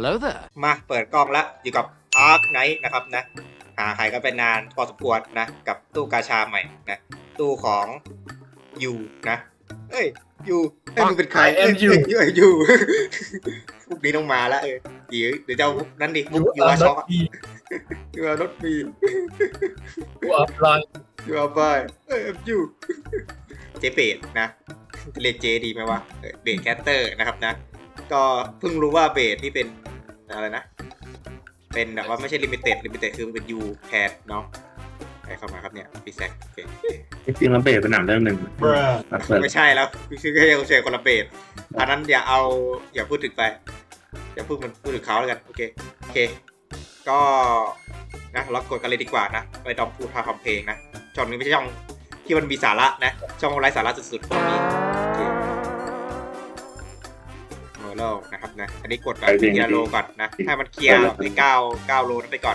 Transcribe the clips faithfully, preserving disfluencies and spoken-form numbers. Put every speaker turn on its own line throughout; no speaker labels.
Hello there.
มาเปิดกล้องแล้วอยู่กับ Ark Knight นะครับนะหาใครก็เป็นนานพอสมควรนะกับตู้กาชาใหม่นะตู้ของยูนะเอ้ยยูเอ้ยมึงเป็นใคร
I am you
เอ้ยยูพวกนี้ต้องมาแล้วเออเดี๋ยวเดี๋ยวจะเอามุกนั้นดิมุกยูอาช็อกยูอารถมี
กูอัพไลน์
ยูอาบายเอ้ยยูเจเบดนะจะเรียกเจดีไหมวะเบดแคสเตอร์นะครับนะก็เพิ่งรู้ว่าเบดที่เป็นอะไรนะเป็นแบบว่าไม่ใช่ลิมิเต็ดลิมิเต็ดคือเป็นยูแทนเนาะใครเข้ามาครับเนี่ยพี่แซคโอเค
จริงๆแล้วเบสเป็นหนังเรื่องหนึ่งมาเปิด
ไม่ใช่แล้วคือแค่ยังเฉยคนละเบสอันนั้นอย่าเอาอย่าพูดถึงไปอย่าพูดมันพูดถึงเขาแล้วกันโอเคโอเคก็นะเรากดกันเลยดีกว่านะไปดอมพูดพาคำเพลงนะช่องนี้ไม่ใช่ช่องที่มันมีสาระนะช่องไร้สาระสุดๆตรงนี้โอเคโมโลนะครับนะอันนี้กดแบบทีละโลก่อนนะให้มันเคลียร์ไอ้เก้าเก้าโลนั้นไปก่อน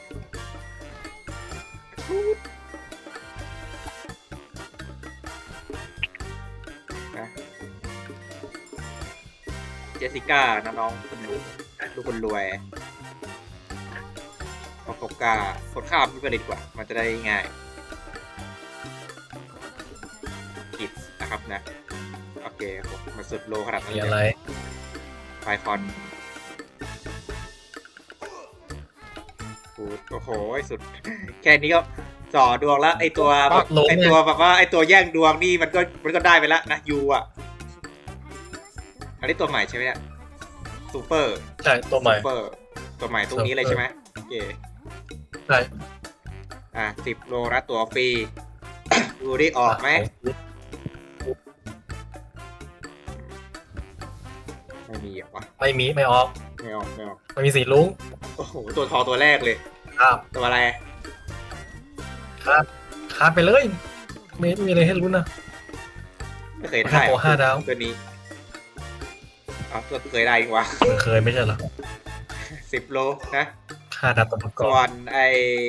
เจสสิก้านะน้องคนรู้ลูกคนรวยปอกกากดข้ามพี่ไปเลยดีกว่ามันจะได้ง่ายผิดนะครับนะโอเคผมมาสุดโลขนาดนั้น
มี
เล
อะไร
ยไฟฟอนโอ้โหสุดแค่นี้ก็จ่อดวงแล้วไอตัวไอตัวแบบว่าไอตัวแย่งดวงนี่มันก็มันก็ได้ไปแล้วนะยูอ่ะอันนี้ตัวใหม่ใช่ไหมเนี่ยซูเปอร์
ใช่ตัวใหม่
ซูเปอร์ตัวใหม่ตรงนี้เลยใช่ไหมโอเค
ใช่
อ่ะสิบโลนะตัวฟรี ดูได้ออกไหมไม่มีเหรอวะ
ไม่มีไม่ออก
ไม่ออกไม่ออก
ไม่มีสีลุ้ง
โอ้โหตัวทอตัวแรกเลย
ครับ
ตัวอะไร
ครับคาดไปเลยไม่มีอะไรให้ลุ้นนะ
ไม่เคยได้
โอ้ห้าดาว
ตัวนี้อ๋อตัวเคยได้อีกวะ
มันเคยไม่ใช่เหรอ
สิบโลนะ
ห้าดาวตัวประกอ
ส่
บ
วนไอ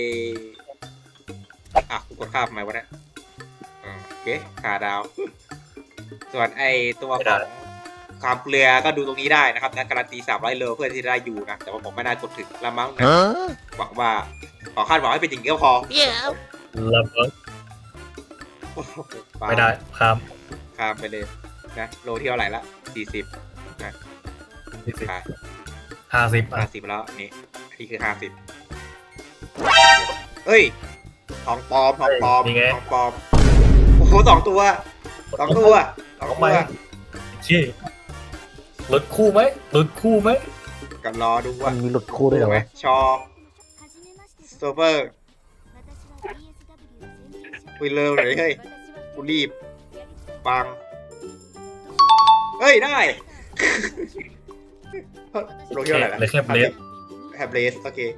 อ่ะกูกดข้ามทำไมวะเนี่ยอ่าโอเคขาดาว ส่วนไอตัวของความเกลือก็ดูตรงนี้ได้นะครับนะการันตีสามร้อยโลเพื่อที่จะได้อยู่นะแต่ว่าผมไม่น่ากดถึงละมั้งนะหวังว่าขอคาดหวังให้เป็นอย่างนี้ก็พอ
แล้วก็ไม่ได้ข้าม
ข้ามไปเลยนะโลที่เท่าไหร่ละสี่สิบนะ
สี่สิบ
ขา
ห้าสิบ
ห้าสิบแล้วนี่นี่คือห้าสิบเอ้ยทองปลอมทองปลอมทองปลอมโอ้โหสองตัวสองตัวสอง
เอา
ตั
ไป
ว
ชี้หลุดคู่ไหมหลุดคู่ไหม
กันรอดูว่า
มันมีหลุดคู่ด้วยเหรอ
ไหม
วะ
ชอโซเวอร์คุยเร็วหน่อยเฮ้ยกูรีบปังเฮ้ยได้ โลที่เท่าไหร่ละ
เลยแค่เบลส
แฮบเลสโอเค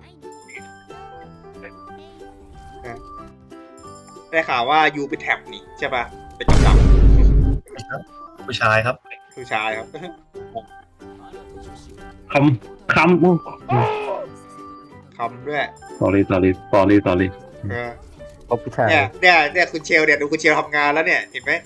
ได้ข่าวว่ายูเป็นแท็บนี่ใช่ป่ะเป็นกำกับ
ผู้ชายครับ
ผู้ชายครับ
คำคำ
ทำด้วย
sorry sorry sorry sorry
เออ
เอาผู้ชาย
เนี่ยเนี่ยเนี่ยคุณเชลเนี่ยดูคุณเชลทำงานแล้วเนี่ยเห็นไหม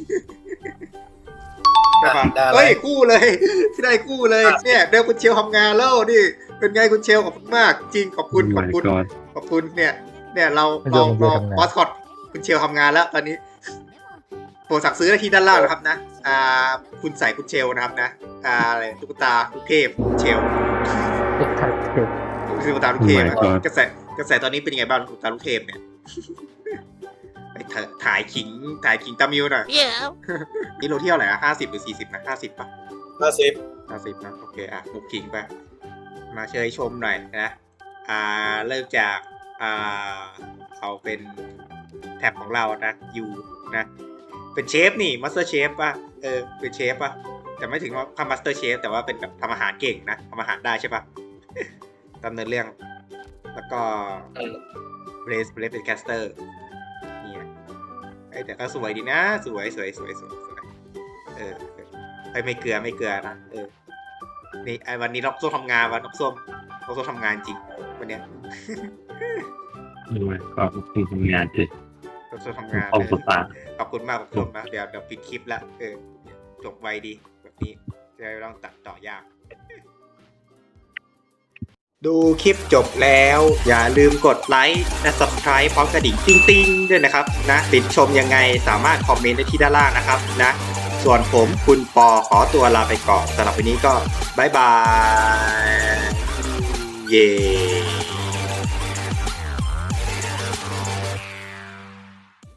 ได้ปะ
ได้อะไร
เฮ้ยกู้เลยที่ได้กู้เลยเนี่ยเดี๋ยวคุณเชลทำงานแล้วนี่เป็นไงคุณเชลขอบคุณมากจริงขอบคุณขอบคุณ
my god
ขอบคุณเนี่ยเนี่ยเราเราเรามอสคอตคุณเชลทำงานแล้วตอนนี้โปรดสั่งซื้อได้ที่ด้านล่างนะครับนะอ่าคุณใส่คุณเชลนะครับนะอ่าอะไรตุ๊กตาลูกเทพเชล
เด็กไทยเด็ก
ตุ๊กตาลูกเทพ
Oh my god
กระแสกระแสตอนนี้เป็นยังไงบ้างตุ๊กตาลูกเทพเนี่ยไปเถอะถ่ายขิงถ่ายขิงตามิวหน่อยนี่โลที่เท่าไหร่อะห้าสิบหรือสี่สิบนะห้าสิบป่ะ
ห้าสิบ
ห้าสิบนะโอเคอ่ะบุกขิงไปมาเชยชมหน่อยนะอ่าเริ่มจากอ่าเอาเป็นแท็บของเรานะยูนะเป็นเชฟนี่มาสเตอร์เชฟป่ะเออเป็นเชฟป่ะแต่ไม่ถึงว่าทำมาสเตอร์เชฟแต่ว่าเป็นแบบทำอาหารเก่งนะทำอาหารได้ใช่ป่ะ ดำเนินเรื่องแล้วก็เบรสเบรสเป็นแคสเตอร์เนี่ยไอ้แต่ก็สวยดีนะสวยสวยสวยสวยสวยเออไอ้ไม่เกลือไม่เกลือนะเออนี่ไอ้วันนี้นกส้มทำงานวันนกส้มนกส้มทำงานจริงวันเนี้ย
ดูไหมก็คุณทำงานสิ
นกส้มทำงาน
ขอบคุณมาก
ขอบคุณมากขอบคุณมากเดี๋ยวเดี๋ยวปิดคลิปละเออจบไวดีแบบนี้จะได้ไม่ต้องตัดต่อยากดูคลิปจบแล้วอย่าลืมกดไลค์และ Subscribe พร้อมกระดิ่งติ้งๆด้วยนะครับนะติดชมยังไงสามารถคอมเมนต์ได้ที่ด้านล่างนะครับนะส่วนผมคุณปอขอตัวลาไปก่อนสำหรับวันนี้ก็บ๊ายบายเย้